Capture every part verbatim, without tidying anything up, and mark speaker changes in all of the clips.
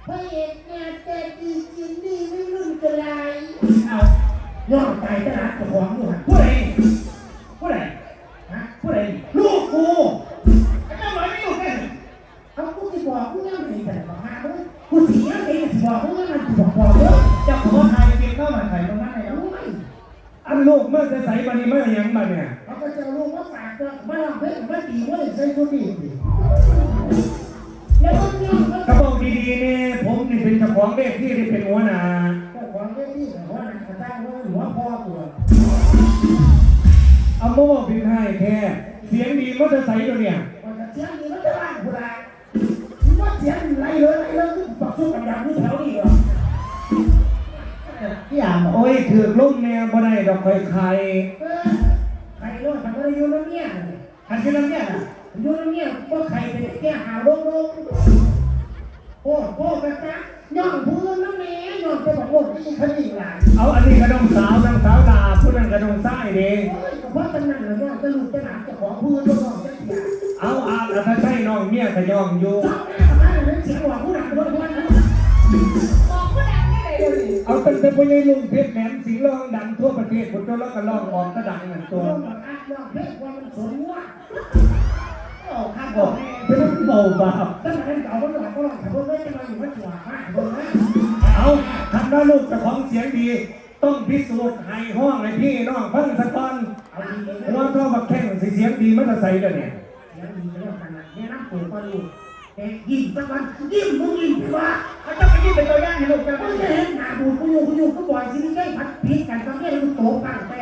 Speaker 1: พระเอกงานแต่ดีจริงดีไม่รุ่นกระไรเอายอดใจตลาดตัวของอยู่หันผู้ใดผู้ใดฮะผู้ใดลูกกูไอ้เจ้าหน่อยไม่อยู่แค่เอากูจะบอกกูยังไม่ได้บอกฮะกูเสียเองจะบอกกูยังมันบอกบอกเยอะจะขอไทยเพียงเข้ามาไทยตรงนั้นเลยรู้ไหม
Speaker 2: อันลูกเมื่อจะใส่บันนี้เมื่อยังบันเนี่ย
Speaker 1: เขาก็จะรู้ว่าฝากก็ไม่ลองเพ่งไม่ตีว่าใส่ชุดดีแล้วก็เนี่ย
Speaker 2: กระบอกดีๆเนี่ยผมนี่เป็นเจ้าของเวทีที่เป็นหัวหน้า
Speaker 1: เจ้าของเวทีหัวหน้ากระตั้งว่าหัวพ่อตัว
Speaker 2: เอาโม่บินให้แท้เสียงดีมอเตอร์ไซค์ตัวเนี่ย
Speaker 1: เสียงดีมันจะบ้ากูได้ว่าเสียงไรเลยไรเลยก็ปักสู้กับดังนี่แถวนี้เหรอพี่อ่านบอก
Speaker 2: โอ้ยถือลุ่มเนี่ยบ่ได้ดอกไฟไข่
Speaker 1: ใครรู้ทำอะไรอยู่แล้วเนี่ย
Speaker 2: หันขึ้นแล้วเนี่ย
Speaker 1: อยู่แล้วเนี่ยก็ใครไปแก้หาโรคโรคโอ้โหกระจ๊ะย่องพื้นน้ำแม่ย่องไปบอกโอ้ยขยิงหลาน
Speaker 2: เอาอันนี้กระดงสาวนางสาวดาผู้นั้นกระดงไส้เด้
Speaker 1: เพราะตำนานเนี่ยจะลูกจะหลานจะขอพื้นก็ย่องจะเสีย
Speaker 2: เอาอาถ้าใช่น้องเมียก็ย่องอยู่
Speaker 1: เสียงหวานผู้หลังผู้หลัง
Speaker 3: บอกผู้ดังได้เลยเลย
Speaker 2: เอาเป็นเป็นผู้ใหญ่ลุงเพชรแหลมสิงห์ร้องดังทั่วประเทศคนตัวแล้วก็ร้องออกก็ดังเหมือนตัว
Speaker 1: ร้องเพลงว่ามันสนว่าโอ้ข้าบ
Speaker 2: อ
Speaker 1: อก
Speaker 2: เป็นเบาเบา
Speaker 1: ตั้งแต่เก่าก็หลอกก็หลอกแต่พวกนี้จะมาอยู่วัดจัวมากเลยนะ
Speaker 2: เอาทำหน้าลูกแต่ของเสียงดีต้องพิสูจน์ให้ห้องให้พี่น้องฟังสักตอนหัวท่อบักแข้งเสียงดีมันจะใส่เดี๋ยวนี้
Speaker 1: เสียงดีเรื่องขนาดนี้น้ำปูก็รู้แต่ยิ้มสักวันยิ้มมึงยิ้มดีว่า
Speaker 2: เขาต้องไปยิ้มเป็นตัวอย่างให้ลูกจะ
Speaker 1: ไม่ได้เห็นหน้าบูดกูอยู่กูอยู่ก็บ่อยสิไม่ได้พัดพิษกันตอนนี้ลูกโตปังแต่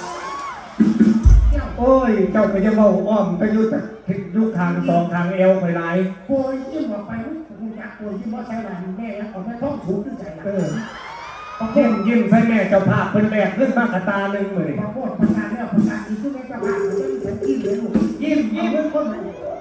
Speaker 2: โอ้ยเจ้าก็จะเมาอ้อมไปยุติลูกทางสองทางเอวไปไหล
Speaker 1: โวยยิ้มออกไปกูอยากโวยยิ้มว่าใช่หลานแม่แล้วเอาไปท้องถูกด้วยใจเออ
Speaker 2: ยิ้มยิ้มใส่แม่เจ้าภาพเป็นแบกขึ้นมากระตาหนึ่งเลย
Speaker 1: พอพูดประกาศแล้วประกาศอีกทุกแม่เจ้าภาพเลยฉันยิ้มเลยลูก
Speaker 2: ยิ้มยิ้มเป็นคน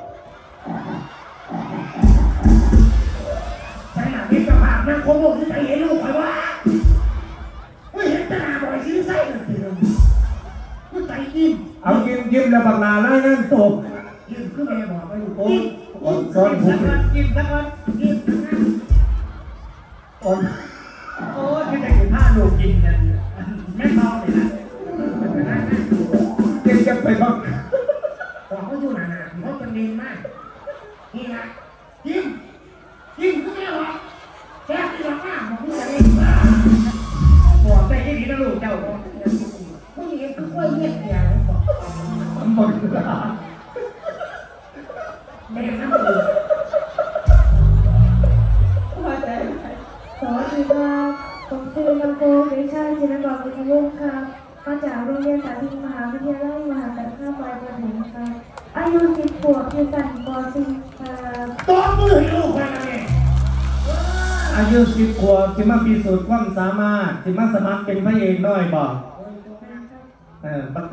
Speaker 1: ใช่หลานพี่เจ้าภาพนั่งโคโม่ที่ใจเห็นลูกใครวะไม่เห็นตาบ่อยซื้อไส้เลยทีเดียวก็ใจยิ้ม
Speaker 2: เอายิ้มยิ้มแล้วบางนาไล่นั่นตก
Speaker 1: ยิ้มคือแม่บอกไปลูก
Speaker 2: ยิ้มซ้อนผม
Speaker 1: ยิ้มสักวันยิ้มสักวัน
Speaker 2: อ่อน
Speaker 1: โอ้ที่ได้กินผ้าลูกกินกันแม่เมาเลยนะ
Speaker 2: เก่งจะไปบ้าง
Speaker 1: บอกเขาอยู่หนาๆเขาจะเน้นมากนี่นะยิ้มยิ้มคือแม่บอกแค่ที่บอกว่าบอกผู้ใหญ่บอกไปที่นี่นะลูกเจ้าบอกผู้หญิงคือกล้วยเงี้ยเดียวบอก
Speaker 2: มันหมดเวลา
Speaker 1: แม่น้ำดื่ม
Speaker 3: สวัสดีครับผมชื่อนำโกเด็กชายจินกรบุญวงศ์ครับมาจากโรงเรียนสาธิตมหาวิทยาลัยมหาสารคามปลายประถมครับอายุสิบขวบอยู่ชั้นป .สี่ ครับ
Speaker 1: ตัวมือให้ลูกไปนะเนี่ย
Speaker 2: อายุสิบขวบที่มาพิสูจน์ความสามารถที่มาสมัครเป็นพระเอกน้อยบอกเออ